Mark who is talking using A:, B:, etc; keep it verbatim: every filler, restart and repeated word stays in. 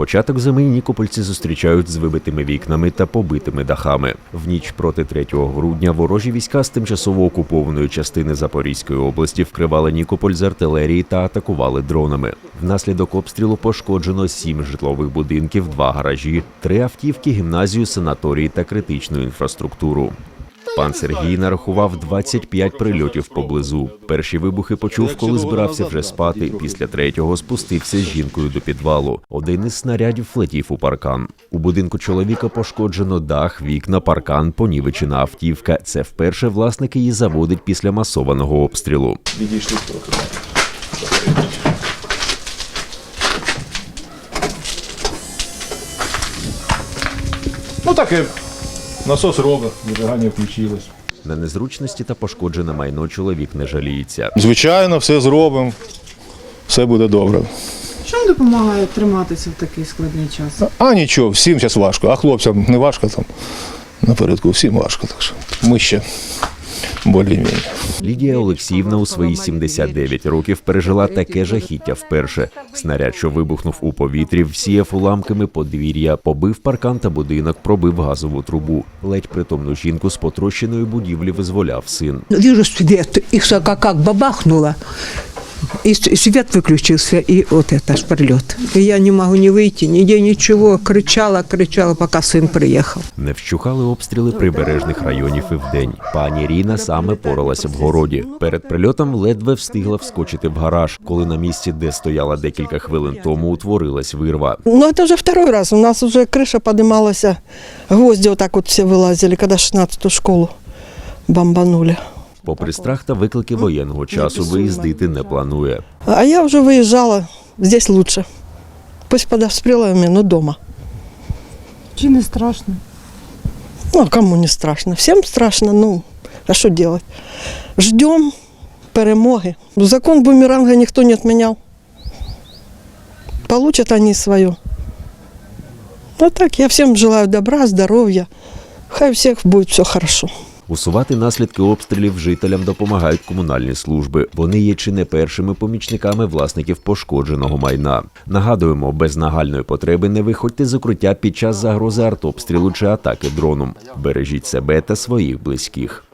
A: Початок зими нікопольці зустрічають з вибитими вікнами та побитими дахами. В ніч проти третього грудня ворожі війська з тимчасово окупованої частини Запорізької області вкривали Нікополь з артилерії та атакували дронами. Внаслідок обстрілу пошкоджено сім житлових будинків, два гаражі, три автівки, гімназію, санаторії та критичну інфраструктуру. Пан Сергій нарахував двадцять п'ять прильотів поблизу. Перші вибухи почув, коли збирався вже спати. Після третього спустився з жінкою до підвалу. Один із снарядів влетів у паркан. У будинку чоловіка пошкоджено дах, вікна, паркан, понівечена автівка. Це вперше власник її заводить після масованого обстрілу.
B: Відійшли трохи. Ну так і насос робить, зажигання включилось.
A: На незручності та пошкоджене майно чоловік не жаліється.
B: Звичайно, все зробимо, все буде добре.
C: Що вам допомагає триматися в такий складний час?
B: А нічого, всім зараз важко, а хлопцям не важко там. Напередку всім важко, так що ми ще більш-менш.
A: Лідія Олексіївна у свої сімдесят дев'ять років пережила таке жахіття вперше. Снаряд, що вибухнув у повітрі, всіяв уламками подвір'я, побив паркан та будинок, пробив газову трубу. Ледь притомну жінку з потрощеної будівлі визволяв син.
D: Вижу свет, и как, как бабахнуло, и свет выключился, и вот это ж прилет. И я не могу не выйти, нигде ничего, кричала, кричала, пока сын приехал.
A: Не вщухали обстріли прибережних районів і вдень. Пані Ріна саме поралася в городі. Перед прильотом ледве встигла вскочити в гараж, коли на місці, де стояла декілька хвилин тому, утворилась вирва.
E: Ну, это уже второй раз. У нас уже крыша поднималась, гвозди вот так вот все вылазили, когда шестнадцатую школу бомбанули.
A: Попри страх та виклики воєнного часу, виїздити не планує.
E: А я уже выезжала, здесь лучше. Пусть под обстрелами, но дома.
C: Чи не страшно?
E: Ну, кому не страшно? Всем страшно, ну, а что делать? Ждем перемоги. Закон бумеранга никто не отменял. Получат они свое. Ну так, я всем желаю добра, здоровья. Хай у всех будет все хорошо.
A: Усувати наслідки обстрілів жителям допомагають комунальні служби. Вони є чи не першими помічниками власників пошкодженого майна. Нагадуємо, без нагальної потреби не виходьте з укриття під час загрози артобстрілу чи атаки дроном. Бережіть себе та своїх близьких.